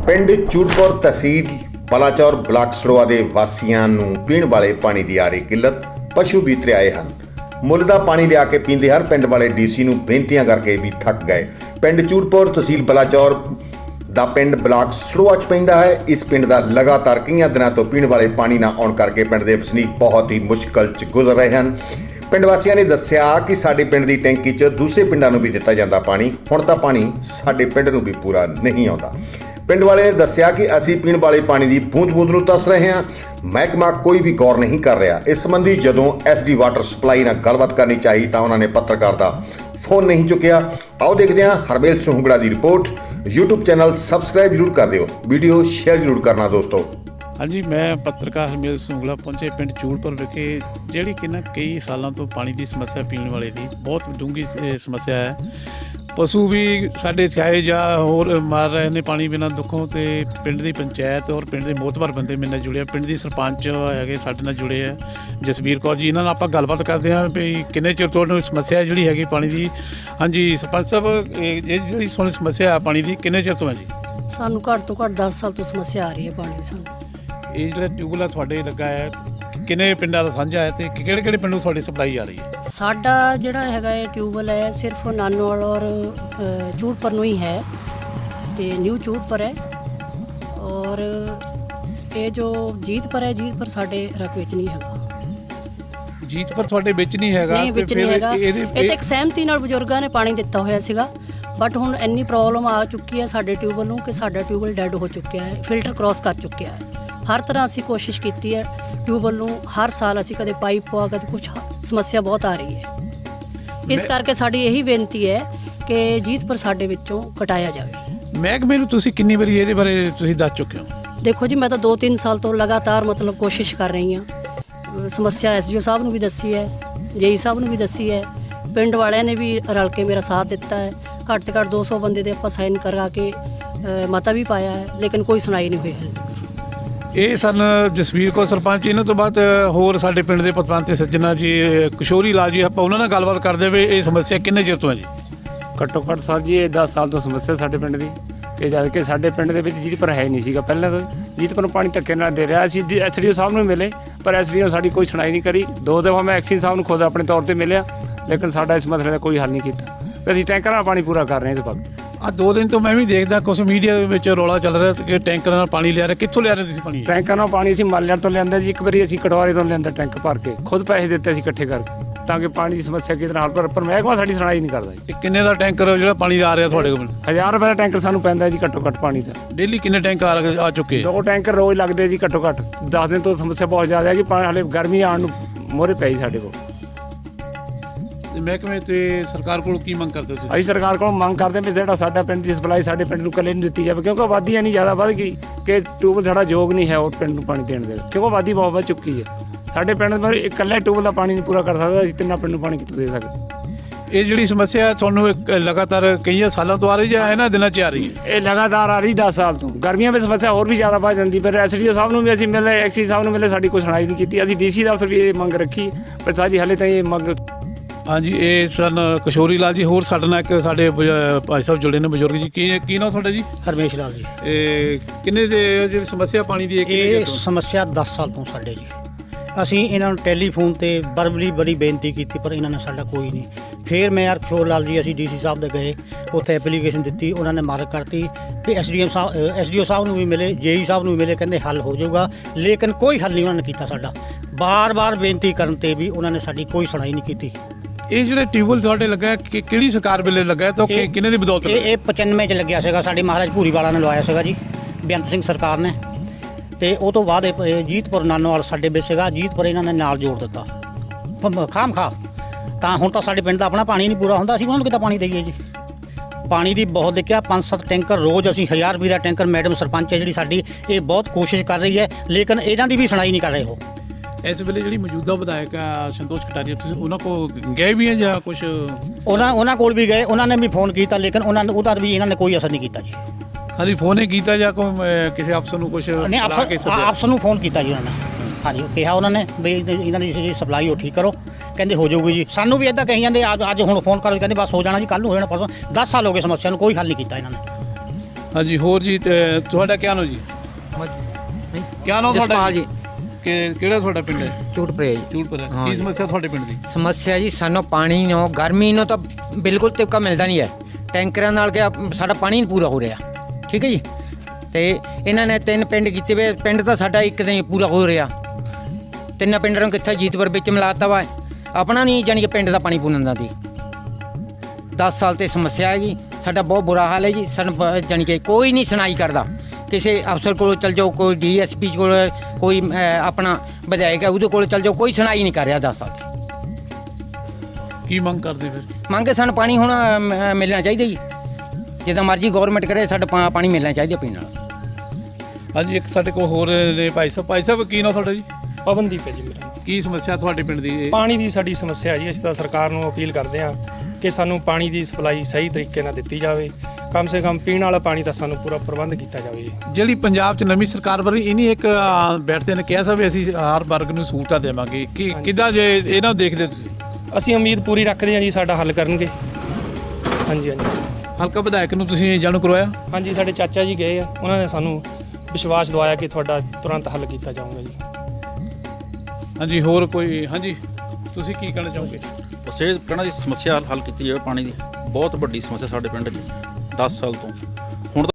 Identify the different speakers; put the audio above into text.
Speaker 1: ਪਿੰਡ ਚੂੜਪੁਰ ਤਹਿਸੀਲ ਬਲਾਚੌਰ ਬਲਾਕ ਸੜੋਆ ਦੇ ਵਾਸੀਆਂ ਨੂੰ ਪੀਣ ਵਾਲੇ ਪਾਣੀ ਦੀ ਆ ਰਹੀ ਕਿੱਲਤ। ਪਸ਼ੂ ਵੀ ਤਰਿਆਏ ਹਨ। ਮੁੱਲ ਦਾ ਪਾਣੀ ਲਿਆ ਕੇ ਪੀਂਦੇ ਹਰ ਪਿੰਡ ਵਾਲੇ ਡੀਸੀ ਨੂੰ ਬੇਨਤੀਆਂ ਕਰਕੇ ਵੀ ਥੱਕ ਗਏ। ਪਿੰਡ ਚੂੜਪੁਰ ਤਹਿਸੀਲ ਬਲਾਚੌਰ ਦਾ ਪਿੰਡ ਬਲਾਕ ਸੜੋਆ 'ਚ ਪੈਂਦਾ ਹੈ। ਇਸ ਪਿੰਡ ਦਾ ਲਗਾਤਾਰ ਕਈਆਂ ਦਿਨਾਂ ਤੋਂ ਪੀਣ ਵਾਲੇ ਪਾਣੀ ਨਾ ਆਉਣ ਕਰਕੇ ਪਿੰਡ ਦੇ ਵਸਨੀਕ ਬਹੁਤ ਹੀ ਮੁਸ਼ਕਲ 'ਚ ਗੁਜ਼ਰ ਰਹੇ ਹਨ। ਪਿੰਡ ਵਾਸੀਆਂ ਨੇ ਦੱਸਿਆ ਕਿ ਸਾਡੇ ਪਿੰਡ ਦੀ ਟੈਂਕੀ 'ਚ ਦੂਸਰੇ ਪਿੰਡਾਂ ਨੂੰ ਵੀ ਦਿੱਤਾ ਜਾਂਦਾ ਪਾਣੀ, ਹੁਣ ਤਾਂ ਪਾਣੀ ਸਾਡੇ ਪਿੰਡ ਨੂੰ ਵੀ ਪੂਰਾ ਨਹੀਂ ਆਉਂਦਾ। ਪਿੰਡ ਵਾਲੇ ਨੇ ਦੱਸਿਆ ਕਿ ਅਸੀਂ ਪੀਣ ਵਾਲੇ ਪਾਣੀ ਦੀ ਬੂੰਦ-ਬੂੰਦ ਨੂੰ ਤਰਸ ਰਹੇ ਹਾਂ। ਮਹਿਕਮਾ ਕੋਈ ਵੀ ਗੌਰ ਨਹੀਂ ਕਰ ਰਿਹਾ। ਇਸ ਸੰਬੰਧੀ ਜਦੋਂ SD ਵਾਟਰ ਸਪਲਾਈ ਨਾਲ ਗੱਲਬਾਤ ਕਰਨੀ ਚਾਹੀ ਤਾਂ ਉਹਨਾਂ ਨੇ ਪੱਤਰਕਾਰ ਦਾ ਫੋਨ ਨਹੀਂ ਚੁੱਕਿਆ। ਆਓ ਦੇਖਦੇ ਹਾਂ ਹਰਮੇਲ ਸੁਹੰਗੜਾ ਦੀ ਰਿਪੋਰਟ। YouTube ਚੈਨਲ ਸਬਸਕ੍ਰਾਈਬ ਜ਼ਰੂਰ ਕਰ ਦਿਓ, ਵੀਡੀਓ ਸ਼ੇਅਰ ਜ਼ਰੂਰ ਕਰਨਾ ਦੋਸਤੋ।
Speaker 2: ਹਾਂਜੀ, ਮੈਂ ਪੱਤਰਕਾਰ ਹਰਮੇਲ ਸੁਹੰਗੜਾ ਪਹੁੰਚੇ ਪਿੰਡ ਚੂੜਪੁਰ ਵਿਖੇ, ਜਿਹੜੀ ਕਿ ਨਾ ਕਈ ਸਾਲਾਂ ਤੋਂ ਪਾਣੀ ਦੀ ਸਮੱਸਿਆ ਪੀਣ ਵਾਲੇ ਦੀ ਬਹੁਤ ਡੂੰਘੀ ਸਮੱਸਿਆ ਹੈ। ਪਸ਼ੂ ਵੀ ਸਾਡੇ ਥਿਆਏ ਜਾਂ ਹੋਰ ਮਾਰ ਰਹੇ ਨੇ ਪਾਣੀ ਬਿਨਾਂ ਦੁੱਖੋਂ। ਤੇ ਪਿੰਡ ਦੀ ਪੰਚਾਇਤ ਔਰ ਪਿੰਡ ਦੇ ਮੋਹਤਬਰ ਬੰਦੇ ਮੇਰੇ ਨਾਲ ਜੁੜੇ ਆ। ਪਿੰਡ ਦੀ ਸਰਪੰਚ ਹੈਗੇ ਸਾਡੇ ਨਾਲ ਜੁੜੇ ਆ, ਜਸਵੀਰ ਕੌਰ ਜੀ। ਇਹਨਾਂ ਨਾਲ ਆਪਾਂ ਗੱਲਬਾਤ ਕਰਦੇ ਹਾਂ ਵੀ ਕਿੰਨੇ ਚਿਰ ਤੋਂ ਸਮੱਸਿਆ ਜਿਹੜੀ ਹੈਗੀ ਪਾਣੀ ਦੀ। ਹਾਂਜੀ ਸਰਪੰਚ ਸਾਹਿਬ, ਇਹ ਜਿਹੜੀ ਤੁਹਾਨੂੰ ਸਮੱਸਿਆ ਪਾਣੀ ਦੀ ਕਿੰਨੇ ਚਿਰ ਤੋਂ ਹੈ ਜੀ?
Speaker 3: ਸਾਨੂੰ ਘੱਟ ਤੋਂ ਘੱਟ 10 ਸਾਲ ਤੋਂ ਸਮੱਸਿਆ ਆ ਰਹੀ ਹੈ ਪਾਣੀ ਦੀ। ਸਾਨੂੰ
Speaker 2: ਇਹ ਜਿਹੜਾ ਟਿਊਬਵੈੱਲ ਤੁਹਾਡੇ ਲੱਗਾ ਹੈ, ਕਿੰਨੇ ਪਿੰਡਾਂ ਦਾ ਸਾਂਝਾ ਹੈ ਤੇ ਕਿਹੜੇ ਪਿੰਡ ਨੂੰ ਤੁਹਾਡੀ ਸਪਲਾਈ ਆ ਰਹੀ ਹੈ?
Speaker 3: ਸਾਡਾ ਜਿਹੜਾ ਹੈਗਾ ਇਹ ਟਿਊਬਵੈੱਲ ਹੈ ਸਿਰਫ ਨਾਨੋਵਾਲ ਔਰ ਚੂੜਪੁਰ ਨੂੰ ਹੀ ਹੈ, ਤੇ ਨਿਊ ਚੂੜਪੁਰ ਹੈ। ਔਰ ਇਹ ਜੋ ਜੀਤਪੁਰ ਹੈ, ਜੀਤਪੁਰ ਸਾਡੇ ਰਕ ਵਿੱਚ ਨਹੀਂ ਹੈਗਾ।
Speaker 2: ਜੀਤਪੁਰ ਤੁਹਾਡੇ ਵਿੱਚ ਨਹੀਂ ਹੈਗਾ?
Speaker 3: ਨਹੀਂ, ਵਿੱਚ ਨਹੀਂ ਹੈਗਾ। ਇਹ ਤੇ ਇੱਕ ਸਹਿਮਤੀ ਨਾਲ ਬਜ਼ੁਰਗਾਂ ਨੇ ਪਾਣੀ ਦਿੱਤਾ ਹੋਇਆ ਸੀਗਾ, ਬਟ ਹੁਣ ਇੰਨੀ ਪ੍ਰੋਬਲਮ ਆ ਚੁੱਕੀ ਹੈ ਸਾਡੇ ਟਿਊਬਵੈੱਲ ਨੂੰ ਕਿ ਸਾਡਾ ਟਿਊਬਵੈੱਲ ਡੈੱਡ ਹੋ ਚੁੱਕਿਆ ਹੈ, ਫਿਲਟਰ ਕ੍ਰੋਸ ਕਰ ਚੁੱਕਿਆ ਹੈ। ਹਰ ਤਰ੍ਹਾਂ ਅਸੀਂ ਕੋਸ਼ਿਸ਼ ਕੀਤੀ ਹੈ ਟਿਊਬਵੈੱਲ ਨੂੰ। ਹਰ ਸਾਲ ਅਸੀਂ ਕਦੇ ਪਾਈਪ ਪਵਾ, ਕਦੇ ਕੁਛ ਸਮੱਸਿਆ ਬਹੁਤ ਆ ਰਹੀ ਹੈ। ਇਸ ਕਰਕੇ ਸਾਡੀ ਇਹੀ ਬੇਨਤੀ ਹੈ ਕਿ ਜੀਤਪੁਰ ਸਾਡੇ ਵਿੱਚੋਂ ਕਟਾਇਆ ਜਾਵੇ।
Speaker 2: ਮਹਿਕਮੇ ਨੂੰ ਤੁਸੀਂ ਕਿੰਨੀ ਵਾਰੀ ਇਹਦੇ ਬਾਰੇ ਤੁਸੀਂ ਦੱਸ ਚੁੱਕੇ ਹੋ?
Speaker 3: ਦੇਖੋ ਜੀ, ਮੈਂ ਤਾਂ 2-3 ਸਾਲ ਤੋਂ ਲਗਾਤਾਰ ਮਤਲਬ ਕੋਸ਼ਿਸ਼ ਕਰ ਰਹੀ ਹਾਂ। ਸਮੱਸਿਆ SDO ਸਾਹਿਬ ਨੂੰ ਵੀ ਦੱਸੀ ਹੈ, JE ਸਾਹਿਬ ਨੂੰ ਵੀ ਦੱਸੀ ਹੈ, ਪਿੰਡ ਵਾਲਿਆਂ ਨੇ ਵੀ ਰਲ ਕੇ ਮੇਰਾ ਸਾਥ ਦਿੱਤਾ ਹੈ। ਘੱਟ ਤੋਂ ਘੱਟ 200 ਬੰਦੇ ਦੇ ਆਪਾਂ ਸਾਈਨ ਕਰਾ ਕੇ ਮਤਾ ਵੀ ਪਾਇਆ ਹੈ, ਲੇਕਿਨ ਕੋਈ ਸੁਣਾਈ ਨਹੀਂ ਹੋਈ ਹਾਲੇ ਤੱਕ।
Speaker 2: ਇਹ ਸਨ ਜਸਵੀਰ ਕੌਰ ਸਰਪੰਚ। ਇਹਨਾਂ ਤੋਂ ਬਾਅਦ ਹੋਰ ਸਾਡੇ ਪਿੰਡ ਦੇ ਪਤਵੰਤ ਤੇ ਸੱਜਣਾ ਜੀ, ਕਿਸ਼ੋਰੀ ਲਾਲ ਜੀ, ਆਪਾਂ ਉਹਨਾਂ ਨਾਲ ਗੱਲਬਾਤ ਕਰਦੇ ਵੀ ਇਹ ਸਮੱਸਿਆ ਕਿੰਨੇ ਚਿਰ ਤੋਂ ਹੈ ਜੀ?
Speaker 4: ਘੱਟੋ ਘੱਟ ਸਰ ਜੀ ਇਹ 10 ਸਾਲ ਤੋਂ ਸਮੱਸਿਆ ਸਾਡੇ ਪਿੰਡ ਦੀ। ਕਿ ਜਦ ਕਿ ਸਾਡੇ ਪਿੰਡ ਦੇ ਵਿੱਚ ਜੀਤਪੁਰ ਹੈ ਨਹੀਂ ਸੀਗਾ ਪਹਿਲਾਂ ਤੋਂ। ਜੀਤਪੁਰ ਨੂੰ ਪਾਣੀ ਧੱਕੇ ਨਾਲ ਦੇ ਰਿਹਾ। ਅਸੀਂ SDO ਸਾਹਿਬ ਨੂੰ ਮਿਲੇ, ਪਰ SDO ਸਾਡੀ ਕੋਈ ਸੁਣਾਈ ਨਹੀਂ ਕਰੀ। 2 ਦਫਾ ਮੈਂ ਐਕਸੀਅਨ ਸਾਹਿਬ ਨੂੰ ਖੁਦ ਆਪਣੇ ਤੌਰ ਤੇ ਮਿਲਿਆ, ਲੇਕਿਨ ਸਾਡਾ ਇਸ ਮਸਲੇ ਦਾ ਕੋਈ ਹੱਲ ਨਹੀਂ ਕੀਤਾ। ਅਸੀਂ ਟੈਂਕਰ ਨਾਲ ਪਾਣੀ ਪੂਰਾ ਕਰ ਰਹੇ ਹਾਂ ਇਸ ਵਕਤ।
Speaker 2: ਆਹ 2 ਦਿਨ ਤੋਂ ਮੈਂ ਵੀ ਦੇਖਦਾ ਕੁਛ ਮੀਡੀਆ ਦੇ ਵਿੱਚ ਰੌਲਾ ਚੱਲ ਰਿਹਾ ਕਿ ਟੈਂਕਰ ਨਾਲ ਪਾਣੀ ਲਿਆ ਰਿਹਾ। ਕਿੱਥੋਂ ਲਿਆ ਰਹੇ ਤੁਸੀਂ ਪਾਣੀ?
Speaker 4: ਟੈਂਕਰ ਨਾਲ ਪਾਣੀ ਅਸੀਂ ਮਾਲਿਆਂ ਤੋਂ ਲਿਆਂਦਾ ਜੀ। ਇੱਕ ਵਾਰੀ ਅਸੀਂ ਕਟਵਾਰੇ ਤੋਂ ਲਿਆਂਦਾ ਟੈਂਕ ਭਰ ਕੇ, ਖੁਦ ਪੈਸੇ ਦਿੱਤੇ ਅਸੀਂ ਇਕੱਠੇ ਕਰਕੇ, ਤਾਂ ਕਿ ਪਾਣੀ ਦੀ ਸਮੱਸਿਆ ਕਿਸ ਤਰ੍ਹਾਂ ਹੱਲ। ਪਰ ਮਹਿਕਮਾ ਸਾਡੀ ਸੁਣਾਈ ਨਹੀਂ ਕਰਦਾ ਜੀ।
Speaker 2: ਇਹ ਕਿੰਨੇ ਦਾ ਟੈਂਕਰ ਜਿਹੜਾ ਪਾਣੀ ਦਾ ਆ ਰਿਹਾ ਤੁਹਾਡੇ ਕੋਲ?
Speaker 4: 1000 ਰੁਪਏ ਦਾ ਟੈਂਕਰ ਸਾਨੂੰ ਪੈਂਦਾ ਜੀ ਘੱਟੋ ਘੱਟ ਪਾਣੀ ਦਾ।
Speaker 2: ਡੇਲੀ ਕਿੰਨੇ ਟੈਂਕ ਆ ਚੁੱਕੇ?
Speaker 4: 2 ਟੈਂਕਰ ਰੋਜ਼ ਲੱਗਦੇ ਜੀ ਘੱਟੋ ਘੱਟ। 10 ਦਿਨ ਤੋਂ ਸਮੱਸਿਆ ਬਹੁਤ ਜ਼ਿਆਦਾ ਹੈ ਕਿ ਪਾਣੀ ਹਾਲੇ ਗਰਮੀ ਆਉਣ ਨੂੰ ਮੋਹਰੇ ਪਈ ਸਾਡੇ ਕੋਲ।
Speaker 2: ਮਹਿਕਮੇ ਤੇ ਸਰਕਾਰ ਕੋਲ ਕੀ ਮੰਗ ਕਰਦੇ ਹੋ ਤੁਸੀਂ?
Speaker 4: ਅਸੀਂ ਸਰਕਾਰ ਕੋਲ ਮੰਗ ਕਰਦੇ ਹਾਂ ਵੀ ਜਿਹੜਾ ਸਾਡਾ ਪਿੰਡ ਦੀ ਸਪਲਾਈ ਸਾਡੇ ਪਿੰਡ ਨੂੰ ਇਕੱਲੇ ਨੂੰ ਦਿੱਤੀ ਜਾਵੇ, ਕਿਉਂਕਿ ਆਬਾਦੀ ਇੰਨੀ ਜ਼ਿਆਦਾ ਵੱਧ ਗਈ ਕਿ ਟਿਊਬਵੈੱਲ ਸਾਡਾ ਯੋਗ ਨਹੀਂ ਹੈ ਉਹ ਪਿੰਡ ਨੂੰ ਪਾਣੀ ਦੇਣ ਦੇ, ਕਿਉਂਕਿ ਆਬਾਦੀ ਬਹੁਤ ਵੱਧ ਚੁੱਕੀ ਹੈ। ਸਾਡੇ ਪਿੰਡ ਵਿੱਚ ਇਕੱਲੇ ਟਿਊਬਵੈੱਲ ਦਾ ਪਾਣੀ ਨਹੀਂ ਪੂਰਾ ਕਰ ਸਕਦਾ। ਅਸੀਂ 3 ਪਿੰਡ ਨੂੰ ਪਾਣੀ ਕਿੱਥੋਂ ਦੇ ਸਕਦੇ?
Speaker 2: ਇਹ ਜਿਹੜੀ ਸਮੱਸਿਆ ਤੁਹਾਨੂੰ ਲਗਾਤਾਰ ਕਈ ਸਾਲਾਂ ਤੋਂ ਆ ਰਹੀ ਜਾਂ ਇਹਨਾਂ ਦਿਨਾਂ 'ਚ ਆ ਰਹੀ ਹੈ?
Speaker 4: ਇਹ ਲਗਾਤਾਰ ਆ ਰਹੀ 10 ਸਾਲ ਤੋਂ। ਗਰਮੀਆਂ ਵਿੱਚ ਸਮੱਸਿਆ ਹੋਰ ਵੀ ਜ਼ਿਆਦਾ ਵੱਧ ਜਾਂਦੀ। ਪਰ SDO ਸਾਹਿਬ ਨੂੰ ਵੀ ਅਸੀਂ ਮਿਲੇ, ਐਕਸੀ ਸਾਹਿਬ ਨੂੰ ਮਿਲੇ, ਸਾਡੀ ਕੋਈ ਸੁਣਾਈ ਨਹੀਂ ਕੀਤੀ। ਅਸੀਂ DC ਦਫ਼ਤਰ ਵੀ ਇਹ ਮੰਗ ਰੱਖੀ, ਪਰ ਸਾਡੀ ਹਾਲੇ ਤਾਂ ਇਹ ਮੰਗ।
Speaker 2: ਹਾਂਜੀ, ਇਹ ਸਨ ਕਿਸ਼ੋਰੀ ਲਾਲ ਜੀ। ਹੋਰ ਸਾਡੇ ਨਾਲ ਇੱਕ ਸਾਡੇ ਭਾਈ ਸਾਹਿਬ ਜੁੜੇ ਨੇ, ਬਜ਼ੁਰਗ ਜੀ। ਕੀ ਨਾਮ ਤੁਹਾਡਾ ਜੀ?
Speaker 5: ਹਰਮੇਸ਼ ਲਾਲ ਜੀ।
Speaker 2: ਇਹ ਕਿੰਨੇ ਦੇ ਜਿਹੜੀ ਸਮੱਸਿਆ ਪਾਣੀ ਦੀ
Speaker 5: ਇਹ ਸਮੱਸਿਆ 10 ਸਾਲ ਤੋਂ ਸਾਡੇ ਜੀ। ਅਸੀਂ ਇਹਨਾਂ ਨੂੰ ਟੈਲੀਫੋਨ ਤੇ ਵਰਬਲੀ ਬੜੀ ਬੇਨਤੀ ਕੀਤੀ, ਪਰ ਇਹਨਾਂ ਨੇ ਸਾਡਾ ਕੋਈ ਨਹੀਂ। ਫਿਰ ਮੈਂ ਯਾਰ ਕਿਸ਼ੋਰ ਲਾਲ ਜੀ, ਅਸੀਂ DC ਸਾਹਿਬ ਦੇ ਗਏ, ਉੱਥੇ ਐਪਲੀਕੇਸ਼ਨ ਦਿੱਤੀ, ਉਹਨਾਂ ਨੇ ਮਾਰਕ ਕਰਤੀ। ਫਿਰ SDO ਸਾਹਿਬ ਨੂੰ ਵੀ ਮਿਲੇ, JE ਸਾਹਿਬ ਨੂੰ ਵੀ ਮਿਲੇ, ਕਹਿੰਦੇ ਹੱਲ ਹੋ ਜਾਊਗਾ, ਲੇਕਿਨ ਕੋਈ ਹੱਲ ਨਹੀਂ ਉਹਨਾਂ ਨੇ ਕੀਤਾ ਸਾਡਾ। ਬਾਰ-ਬਾਰ ਬੇਨਤੀ ਕਰਨ ਤੇ ਵੀ ਉਹਨਾਂ ਨੇ ਸਾਡੀ ਕੋਈ ਸੁਣਾਈ ਨਹੀਂ ਕੀਤੀ।
Speaker 2: ਇਹ ਜਿਹੜੇ ਟਿਊਬਵੈੱਲ ਤੁਹਾਡੇ ਲੱਗਾ ਕਿਹੜੀ ਸਰਕਾਰ ਵੇਲੇ ਲੱਗਾ ਤਾਂ ਕਿਹਨੇ ਦੀ ਬਦੌਲਤ?
Speaker 5: ਇਹ 95 'ਚ ਲੱਗਿਆ ਸੀਗਾ, ਸਾਡੇ ਮਹਾਰਾਜ ਭੂਰੀਵਾਲਾ ਨੇ ਲਵਾਇਆ ਸੀਗਾ ਜੀ, ਬੇਅੰਤ ਸਿੰਘ ਸਰਕਾਰ ਨੇ। ਤੇ ਉਹ ਤੋਂ ਬਾਅਦ ਇਹ ਜੀਤਪੁਰ ਨਾਨੋਵਾਲ ਸਾਡੇ ਵਿੱਚ ਸੀਗਾ, ਜੀਤਪੁਰ ਇਹਨਾਂ ਨੇ ਨਾਲ ਜੋੜ ਦਿੱਤਾ ਖਾਮ ਖਾ। ਤਾਂ ਹੁਣ ਤਾਂ ਸਾਡੇ ਪਿੰਡ ਦਾ ਆਪਣਾ ਪਾਣੀ ਨਹੀਂ ਪੂਰਾ ਹੁੰਦਾ, ਅਸੀਂ ਉਹਨਾਂ ਨੂੰ ਕਿੱਦਾਂ ਪਾਣੀ ਦੇਈਏ ਜੀ? ਪਾਣੀ ਦੀ ਬਹੁਤ ਦੇਖਿਆ, 5-7 ਟੈਂਕਰ ਰੋਜ਼। ਅਸੀਂ 1000 ਰੁਪਏ ਦਾ ਟੈਂਕਰ, ਮੈਡਮ ਸਰਪੰਚ ਹੈ ਜਿਹੜੀ ਸਾਡੀ, ਇਹ ਬਹੁਤ ਕੋਸ਼ਿਸ਼ ਕਰ ਰਹੀ ਹੈ, ਲੇਕਿਨ ਇਹਨਾਂ ਦੀ ਵੀ ਸੁਣਾਈ ਨਹੀਂ ਕਰ ਰਹੇ ਉਹ।
Speaker 2: ਇਸ ਵੇਲੇ ਜਿਹੜੀ ਮੌਜੂਦਾ ਵਿਧਾਇਕ ਆ ਸੰਤੋਸ਼ ਕਟਾਰੀਆ, ਤੁਸੀਂ ਉਹਨਾਂ ਕੋਲ ਗਏ ਵੀ ਹੈ ਜਾਂ ਕੁਛ? ਉਹਨਾਂ ਕੋਲ ਵੀ ਗਏ, ਉਹਨਾਂ ਨੇ ਵੀ ਫੋਨ ਕੀਤਾ, ਲੇਕਿਨ ਉਹਦਾ ਵੀ ਇਹਨਾਂ ਨੇ ਕੋਈ ਅਸਰ ਨਹੀਂ ਕੀਤਾ ਜੀ। ਖਾਲੀ ਫੋਨ ਹੀ ਕੀਤਾ ਜਾਂ ਕੋਈ ਕਿਸੇ ਅਫਸਰ ਨੂੰ ਕੁਛ?
Speaker 5: ਨਹੀਂ, ਅਫਸਰ ਨੂੰ ਫੋਨ ਕੀਤਾ ਜੀ ਉਹਨਾਂ ਨੇ। ਹਾਂਜੀ, ਕਿਹਾ ਉਹਨਾਂ ਨੇ ਵੀ ਇਹਨਾਂ ਦੀ ਸਪਲਾਈ ਉਹ ਠੀਕ ਕਰੋ, ਕਹਿੰਦੇ ਹੋ ਜਾਊਗੀ ਜੀ। ਸਾਨੂੰ ਵੀ ਇੱਦਾਂ ਕਹੀ ਜਾਂਦੇ, ਅੱਜ ਹੁਣ ਫੋਨ ਕਰੋ, ਕਹਿੰਦੇ ਬਸ ਹੋ ਜਾਣਾ ਜੀ, ਕੱਲ੍ਹ ਨੂੰ ਹੋ ਜਾਣਾ, ਪਰਸੋਂ। 10 ਸਾਲ ਹੋ ਗਏ ਸਮੱਸਿਆ ਨੂੰ, ਕੋਈ ਹੱਲ ਨਹੀਂ ਕੀਤਾ ਇਹਨਾਂ ਨੇ।
Speaker 2: ਹਾਂਜੀ ਹੋਰ ਜੀ ਤੇ ਤੁਹਾਡਾ ਕਿਆ ਨਾਮ ਜੀ ਕਿਆ ਨਾਮ ਤੁਹਾਡਾ
Speaker 6: ਜਸਪਾਲ ਜੀ
Speaker 2: ਕਿ ਕਿਹੜਾ ਤੁਹਾਡਾ ਪਿੰਡ ਹੈ
Speaker 6: ਚੂਟਪੁਰੇ ਜੀ
Speaker 2: ਚੂੜਪੁਰ ਹੈ
Speaker 6: ਹਾਂ
Speaker 2: ਕੀ
Speaker 6: ਜੀ।
Speaker 2: ਸਮੱਸਿਆ ਤੁਹਾਡੇ ਪਿੰਡ ਦੀ
Speaker 6: ਸਮੱਸਿਆ ਜੀ ਸਾਨੂੰ ਪਾਣੀ ਨੂੰ ਗਰਮੀ ਨੂੰ ਤਾਂ ਬਿਲਕੁਲ ਤਿਪਕਾ ਮਿਲਦਾ ਨਹੀਂ ਹੈ ਟੈਂਕਰਾਂ ਨਾਲ ਕਿ ਸਾਡਾ ਪਾਣੀ ਨਹੀਂ ਪੂਰਾ ਹੋ ਰਿਹਾ ਠੀਕ ਹੈ ਜੀ ਤੇ ਇਹਨਾਂ ਨੇ 3 ਪਿੰਡ ਕੀਤੇ ਵੇ ਪਿੰਡ ਤਾਂ ਸਾਡਾ ਇੱਕ ਦਿਨ ਪੂਰਾ ਹੋ ਰਿਹਾ 3 ਪਿੰਡਾਂ ਨੂੰ ਕਿੱਥੇ ਜੀਤਪੁਰ ਵਿੱਚ ਮਿਲਾਤਾ ਵਾ ਆਪਣਾ ਨਹੀਂ ਜਾਣੀ ਕਿ ਪਿੰਡ ਦਾ ਪਾਣੀ ਪੂਰਨ ਦਾ ਦੀ 10 ਸਾਲ ਤੇ ਸਮੱਸਿਆ ਹੈਗੀ ਸਾਡਾ ਬਹੁਤ ਬੁਰਾ ਹਾਲ ਹੈ ਜੀ ਸਾਨੂੰ ਜਾਣੀ ਕਿ ਕੋਈ ਨਹੀਂ ਸੁਣਾਈ ਕਰਦਾ ਕਿਸੇ ਅਫਸਰ ਕੋਲ ਚਲ ਜਾਓ ਕੋਈ ਡੀਐਸਪੀ ਕੋਲ ਕੋਈ ਆਪਣਾ ਵਿਧਾਇਕ ਹੈ ਉਹਦੇ ਕੋਲ ਚਲ ਜਾਓ ਕੋਈ ਸੁਣਾਈ ਨਹੀਂ ਕਰ ਰਿਹਾ 10 ਸਾਲ ਤੇ
Speaker 2: ਕੀ ਮੰਗ ਕਰਦੇ ਫਿਰ
Speaker 6: ਮੰਗੇ ਸਾਨੂੰ ਪਾਣੀ ਹੁਣ ਮਿਲਣਾ ਚਾਹੀਦਾ ਜੀ ਜਿੱਦਾਂ ਮਰਜ਼ੀ ਗਵਰਨਮੈਂਟ ਕਰੇ ਸਾਡਾ ਪਾਣੀ ਮਿਲਣਾ ਚਾਹੀਦਾ ਪੀਣ ਨਾਲ
Speaker 2: ਹਾਂਜੀ ਇੱਕ ਸਾਡੇ ਕੋਲ ਹੋਰ ਨੇ ਭਾਈ ਸਾਹਿਬ ਕੀ ਨਾਮ ਤੁਹਾਡਾ ਜੀ
Speaker 7: ਪਵਨਦੀਪ ਹੈ ਜੀ ਮੇਰਾ ਨਾਮ।
Speaker 2: ਕੀ ਸਮੱਸਿਆ ਤੁਹਾਡੇ ਪਿੰਡ ਦੀ
Speaker 7: ਪਾਣੀ ਦੀ ਸਾਡੀ ਸਮੱਸਿਆ ਜੀ ਅਸੀਂ ਤਾਂ ਸਰਕਾਰ ਨੂੰ ਅਪੀਲ ਕਰਦੇ ਹਾਂ ਕਿ ਸਾਨੂੰ ਪਾਣੀ ਦੀ ਸਪਲਾਈ ਸਹੀ ਤਰੀਕੇ ਨਾਲ ਦਿੱਤੀ ਜਾਵੇ ਕਮ ਸੇ ਕਮ ਪੀਣ ਵਾਲਾ ਪਾਣੀ ਦਾ ਸਾਨੂੰ ਪੂਰਾ ਪ੍ਰਬੰਧ ਕੀਤਾ ਜਾਵੇ ਜੀ
Speaker 2: ਜਿਹੜੀ ਪੰਜਾਬ 'ਚ ਨਵੀਂ ਸਰਕਾਰ ਬਣੀ ਇਹਨੀ ਇੱਕ ਬੈਠਦੇ ਨੇ ਕਿਹਾ ਸੀ ਵੀ ਅਸੀਂ ਹਰ ਵਰਗ ਨੂੰ ਸਹੂਲਤਾਂ ਦੇਵਾਂਗੇ ਕਿ ਕਿੱਦਾਂ ਜੇ ਇਹਨਾਂ ਨੂੰ ਦੇਖਦੇ ਤੁਸੀਂ
Speaker 7: ਅਸੀਂ ਉਮੀਦ ਪੂਰੀ ਰੱਖਦੇ ਹਾਂ ਜੀ ਸਾਡਾ ਹੱਲ ਕਰਨਗੇ ਹਾਂਜੀ ਹਾਂਜੀ
Speaker 2: ਹਲਕਾ ਵਿਧਾਇਕ ਨੂੰ ਤੁਸੀਂ ਜਾਣੂ ਕਰਵਾਇਆ
Speaker 7: ਹਾਂਜੀ ਸਾਡੇ ਚਾਚਾ ਜੀ ਗਏ ਆ ਉਹਨਾਂ ਨੇ ਸਾਨੂੰ ਵਿਸ਼ਵਾਸ ਦਿਵਾਇਆ ਕਿ ਤੁਹਾਡਾ ਤੁਰੰਤ ਹੱਲ ਕੀਤਾ ਜਾਊਗਾ ਜੀ
Speaker 2: ਹਾਂਜੀ ਹੋਰ ਕੋਈ ਹਾਂਜੀ ਤੁਸੀਂ ਕੀ ਕਹਿਣਾ ਚਾਹੋਗੇ
Speaker 8: ਬਸ ਇਹ ਕਹਿਣਾ ਦੀ ਸਮੱਸਿਆ ਹੱਲ ਕੀਤੀ ਜਾਵੇ ਪਾਣੀ ਦੀ ਬਹੁਤ ਵੱਡੀ ਸਮੱਸਿਆ ਸਾਡੇ ਪਿੰਡ 'ਚ 10 ਸਾਲ ਤੋਂ